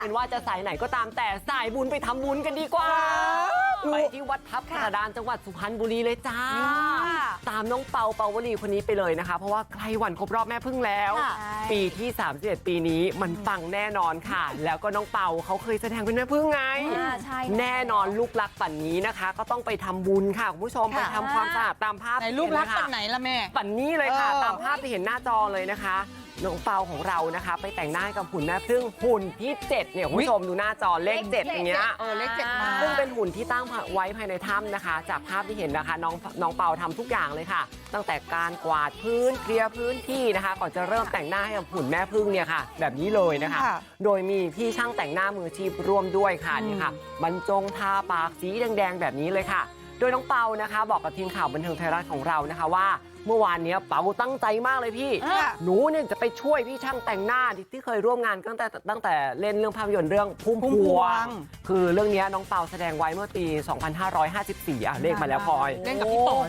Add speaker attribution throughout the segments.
Speaker 1: เป็นว่าจะสายไหนก็ตามแต่สายบุญไปทำบุญกันดีกว่าไปที่วัดทับกระดานจังหวัดสุพรรณบุรีเลยจ้าตามน้องเปาเปาวลีคนนี้ไปเลยนะคะเพราะว่าใกล้วันครบรอบแม่พึ่งแล้วปีที่31ปีนี้มันปังแน่นอนค่ะแล้วก็น้องเปาเขาเคยแสดงเป็นแม่พึ่งไงแน่นอนลูกรักปั่นนี้นะคะก็ต้องไปทำบุญค่ะคุณผู้ชมไปทำความสะอาดตามภาพ
Speaker 2: ไหนลูกรักปั่นไหนล่ะแม่
Speaker 1: ปั่นนี้เลยค่ะตามภาพที่เห็นหน้าจอเลยนะคะน้องเปาของเรานะคะไปแต่งหน้ากับหุ่นแม่พึ่งหุ่นที่7เนี่ยคุณผู้ชมดูหน้าจอเลข7อย่างเงี้ย
Speaker 2: เลข7มา
Speaker 1: ซึ่งเป็นหุ่นที่ตั้งไว้ภายในถ้ำนะคะจากภาพที่เห็นนะคะน้องเปาทำทุกอย่างเลยค่ะตั้งแต่การกวาดพื้นเคลียร์พื้นที่นะคะก่อนจะเริ่มแต่งหน้าให้กับหุ่นแม่พึ่งเนี่ยค่ะแบบนี้เลยนะคะโดยมีพี่ช่างแต่งหน้ามืออาชีพร่วมด้วยค่ะนี่ค่ะบรรจงทาปากสีแดงๆแบบนี้เลยค่ะโดยน้องเปานะคะบอกกับทีมข่าวบันเทิงไทยรัฐของเรานะคะว่าเมื่อวานนี้เปาตั้งใจมากเลยพี่หนูเนี่ยจะไปช่วยพี่ช่างแต่งหน้าที่เคยร่วมงานตั้งแต่เล่นเรื่องภาพยนตร์เรื่องพุ่มพวงคือเรื่องนี้น้องเปาแสดงไว้เมื่อปี 2554เลขมาแล้วพลอย
Speaker 2: เล่นกับพี่โต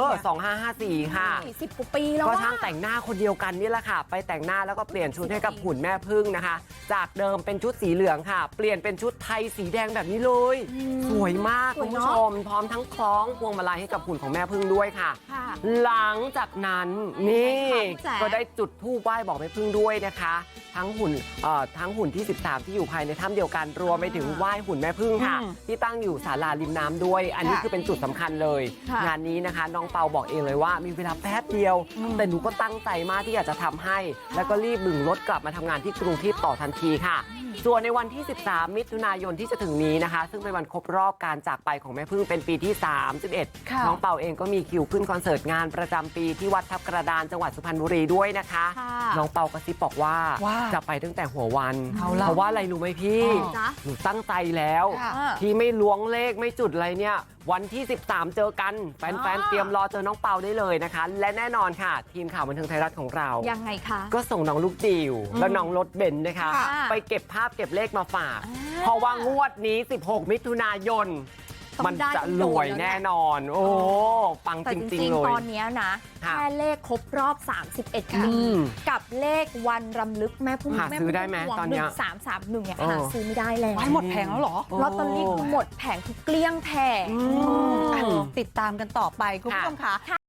Speaker 1: 2554ค่ะ
Speaker 3: 10 กว่าปีแล้ว
Speaker 1: ก็ช่างแต่งหน้าคนเดียวกันนี่แหละค่ะไปแต่งหน้าแล้วก็เปลี่ยนชุดให้กับหุ่นแม่พึ่งนะคะจากเดิมเป็นชุดสีเหลืองค่ะเปลี่ยนเป็นชุดไทยสีแดงแบบนี้เลยสวยมากคุณผู้ชมพร้อมทั้งคล้องพวงมาลัยให้กับหุ่นของแม่พึ่งด้วยค่ะหลังจากนั้นนี่ก็ได้จุดธูปไหว้บอกแม่พึ่งด้วยนะคะทั้งหุ่นที่13ที่อยู่ภายในถ้ำเดียวกันรวมไปถึงไหว้หุ่นแม่พึ่งค่ะที่ตั้งอยู่ศาลาริมน้ำด้วยอันนี้คือเป็นจุดสำคัญเลยงานนี้นะคะน้องเปาบอกเองเลยว่ามีเวลาแป๊บเดียวแต่หนูก็ตั้งใจมากที่อยากจะทำให้แล้วก็รีบบึงรถกลับมาทำงานที่กรุงเทพต่อทันทีค่ะส่วนในวันที่13มิถุนายนที่จะถึงนี้นะคะซึ่งเป็นวันครบรอบการจากไปของแม่พึ่งเป็นปีที่31น้องเปาเองก็มีคิวขึ้นคอนเสิร์ตงานประจำปีที่วัดทับกระดานจังหวัดสุพรรณบุรีด้วยนะคะน้องเปากระซิบบอกว่าจะไปตั้งแต่หัววันเพราะว่าอะไรรู้ไหมพี่หนูตั้งใจแล้วที่ไม่ล้วงเลขไม่จุดอะไรเนี่ยวันที่13เจอกันแฟนๆเตรียมรอเจอน้องเปาได้เลยนะคะและแน่นอนค่ะทีมข่าวบันเทิงไทยรัฐของเรา
Speaker 3: ยังไงคะ
Speaker 1: ก็ส่งน้องลูกจิ๋วและน้องรถเบนซ์นะคะไปเก็บภาพเก็บเลขมาฝากเพราะว่างวดนี้16มิถุนายนมันจะรวยแน่นอนโอ้ปังจริงๆเลย
Speaker 3: ตอนนี้นะแค่เลขครบรอบ31ปีกับเลขวันรำลึกแม่พึ่ง
Speaker 1: หาซื้อได้ไหมตอนนี้
Speaker 3: 1331เนี่ยหาซื้อไม่ได้แล้ว
Speaker 2: หมดแผงแล้วเหรอ
Speaker 3: ลอตเตอรี่คือหมดแผงคือเกลี้ยงแผง
Speaker 2: ติดตามกันต่อไปคุณผู้ชมค่ะ